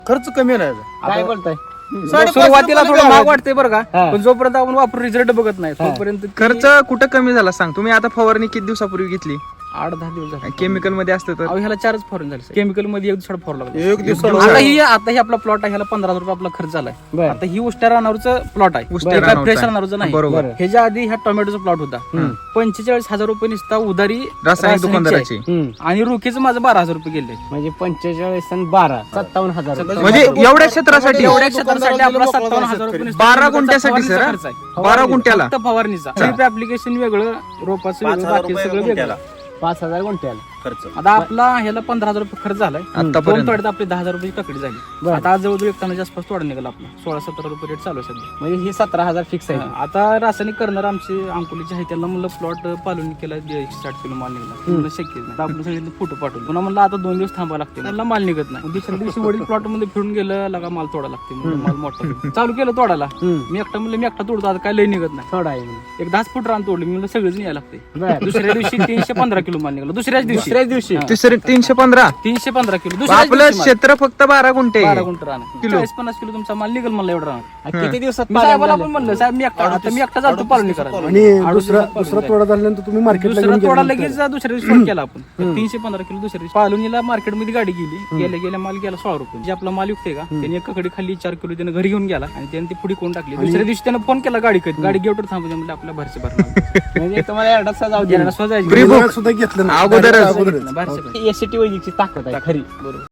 खर्च कमी नाही काय बोलताय सुरुवातीला थोडं महाग वाटते बरं का, पण जोपर्यंत आपण वापरून रिझल्ट बघत नाही तोपर्यंत खर्च कुठं कमी झाला सांग. तुम्ही आता फवारणी किती दिवसापूर्वी घेतली? 8-10 दिवस झाले. केमिकल मध्ये असतं तर ह्याला 4च फवारणी झाली. केमिकल मध्ये एक दिवसाला फवारला लागला. एक दिवस आता ही आपला प्लॉट आहे, ह्याला 15,000 रुपये आपला खर्च झालाय. आता ही उष्ट्या रानावरचं प्लॉट आहे, उष्ट्या रानावरचं फ्रेश आहे. रानावरचं नाही. बरोबर. ह्याच्या आधी ह्या टोमॅटोचा प्लॉट होता. 45,000 रुपये निसता उधारी रासायनिक दुकानदाराची. आणि रोखीचं माझं 12,000 रुपये गेले. म्हणजे 45 आणि 12 57,000 म्हणजे एवढ्या क्षेत्रासाठी एवढ्या क्षेत्रासाठी आपला 57,000 रुपये नुसता 12 गुंठ्यासाठी सर खर्च आहे. 12 गुंठ्याला फक्त फवारणीचा ड्रिप ऍप्लिकेशन वेगळं, रोपाचं वेगळं, बाकी सगळं वेगळं. 5,000 गुंठ्याला खर्च. आता आपला ह्याला 15,000 रुपये खर्च झालाय. आतापर्यंत. 2 तोड्यात आपली 10,000 रुपये ककडी झाली. आता आज जवळजवळ 1 टनाच्या आसपास तोडा निघाला आपला. 16-17 रुपये रेट चालू आहे सध्या. म्हणजे हे 17,000 फिक्स आहे. आता रासायनिक करणार आमचे अंकुलीचे आहे, त्यांना म्हणलं प्लॉट पालून केला 160 किलो माल निघाला. म्हणलं शक्य नाही. आता आपण सगळे फोटो पाठवले. पुन्हा म्हणलं आता 2 दिवस थांबावं लागते, त्यांना माल निघत नाही. दुसऱ्या दिवशी वडील प्लॉट मध्ये फिरून गेलं, लगा माल तोडा लागते. म्हणलं माल मोठा चालू केलं तोडायला. मी एकटा तोडतो, आता काय लय निघत नाही. थोडा आहे म्हणजे. एक 10 फूट रान तोडलं. मी म्हणलं सगळेच यायला लागते. दुसऱ्या दिवशी 315 किलो माल निघाला. दुसऱ्याच दिवशी 315. 315 किलो. दुसऱ्याच आपलं दिवशी माल. क्षेत्र फक्त 12 गुंठे 12 गुंठ रान. 40-50 किलो तुमचा माल निघेल म्हणलं एवढं रान. किती दिवसात मी साहेबाला पण म्हणलं, साहेब मी एकटा जातो पालणी करायला. आणि दुसरा तोडा झाल्यानंतर तुम्ही मार्केटला दुसरा तोडा लगेच दुसऱ्या दिवशी फोन केला आपण. 315 किलो दुसऱ्या दिवशी पालुनीला मार्केटमध्ये गाडी गेली. गेल्या माल गेला 16 रुपये. जे आपला माल युक्त का त्याने एक ककडी खाली 4 किलो त्याने घरी घेऊन गेला आणि त्याने ती पुढे कोण टाकली. दुसऱ्या दिवशी त्याने फोन केला गाडी गेटवर थांबू दे म्हणलं, आपल्या भरचे भरणार म्हणजे तुम्हाला एवढा जाऊ दे स्वतः सुद्धा घेतलं ना अगोदर भरचे एसटी वैदिकची ताकद आहे खरी. बरोबर.